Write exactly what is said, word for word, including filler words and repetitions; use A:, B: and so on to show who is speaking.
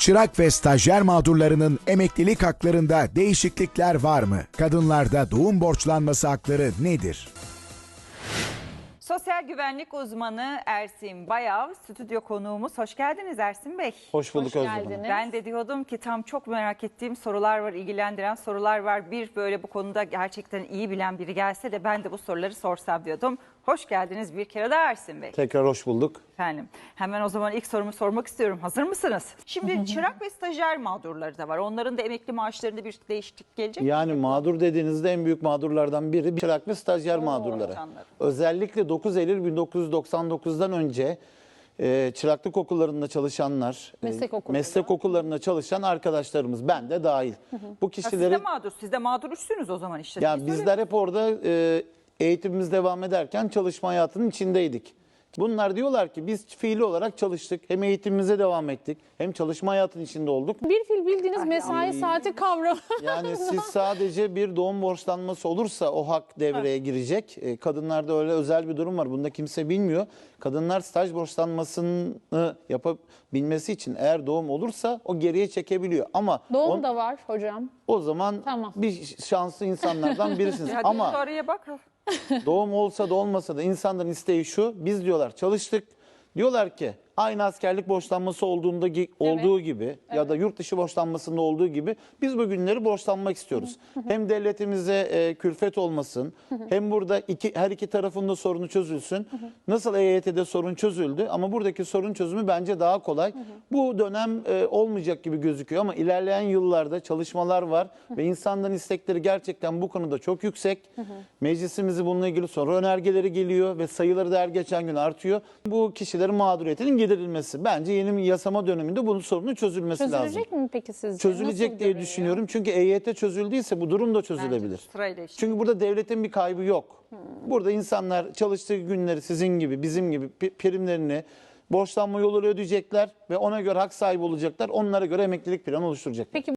A: Çırak ve stajyer mağdurlarının emeklilik haklarında değişiklikler var mı? Kadınlarda doğum borçlanması hakları nedir?
B: Sosyal güvenlik uzmanı Ersin Bayav stüdyo konuğumuz. Hoş geldiniz Ersin Bey.
C: Hoş bulduk
D: Hoş
C: Özlem Hanım.
D: geldiniz.
B: Ben de diyordum ki tam çok merak ettiğim sorular var, ilgilendiren sorular var. Bir böyle bu konuda gerçekten iyi bilen biri gelse de ben de bu soruları sorsam diyordum. Hoş geldiniz bir kere daha Ersin Bey.
C: Tekrar hoş bulduk.
B: Efendim hemen o zaman ilk sorumu sormak istiyorum. Hazır mısınız? Şimdi çırak ve stajyer mağdurları da var. Onların da emekli maaşlarında bir değişiklik gelecek mi?
C: Yani mağdur dediğinizde en büyük mağdurlardan biri çırak ve stajyer mağdurları.
B: canlarım.
C: Özellikle dokuz Eylül bin dokuz yüz doksan dokuz'dan önce e, çıraklık okullarında çalışanlar, e,
D: Meslek okulları.
C: meslek okullarında çalışan arkadaşlarımız, ben de dahil. Bu
B: Ha, siz de
C: kişileri,
B: mağdur. Siz de mağdur üstünüz o zaman işte.
C: yani
B: Siz öyle-
C: bizler hep orada e, eğitimimiz devam ederken çalışma hayatının içindeydik. Bunlar diyorlar ki biz fiili olarak çalıştık, hem eğitimimize devam ettik, hem çalışma hayatının içinde olduk.
D: Bir fil bildiğiniz mesai saati kavramı.
C: Yani siz sadece bir doğum borçlanması olursa o hak devreye girecek. E, kadınlarda öyle özel bir durum var. Bunu da kimse bilmiyor. Kadınlar staj borçlanmasını yapabilmesi için eğer doğum olursa o geriye çekebiliyor. Ama
D: Doğum
C: on-
D: da var hocam.
C: o zaman
D: Tamam.
C: bir şanslı insanlardan birisiniz.
B: Hadi
C: Ama
B: şu araya bak.
C: doğum olsa da olmasa da insanların isteği şu: biz diyorlar çalıştık. Diyorlar ki aynı askerlik borçlanması olduğunda gi- olduğu gibi ya da yurt dışı borçlanmasında olduğu gibi biz bu günleri borçlanmak istiyoruz. Hem devletimize e, külfet olmasın, hem burada iki her iki tarafın da sorunu çözülsün. Nasıl E Y T'de sorun çözüldü ama buradaki sorun çözümü bence daha kolay. Bu dönem e, olmayacak gibi gözüküyor ama ilerleyen yıllarda çalışmalar var ve insanların istekleri gerçekten bu konuda çok yüksek. Meclisimizi bununla ilgili soru önergeleri geliyor ve sayıları da her geçen gün artıyor. Bu kişilerin mağduriyetinin giderilmesi. Bence yeni bir yasama döneminde bunun sorunun çözülmesi lazım.
D: Çözülecek mi peki sizce?
C: Çözülecek
D: Nasıl
C: diye
D: görünüyor?
C: düşünüyorum. Çünkü E Y T çözüldüyse bu durum da çözülebilir.
B: Sırayla işte.
C: Çünkü burada devletin bir kaybı yok. Burada insanlar çalıştığı günleri sizin gibi, bizim gibi pi- primlerini borçlanma yoluyla ödeyecekler ve ona göre hak sahibi olacaklar. Onlara göre emeklilik planı oluşturacaklar.
D: Peki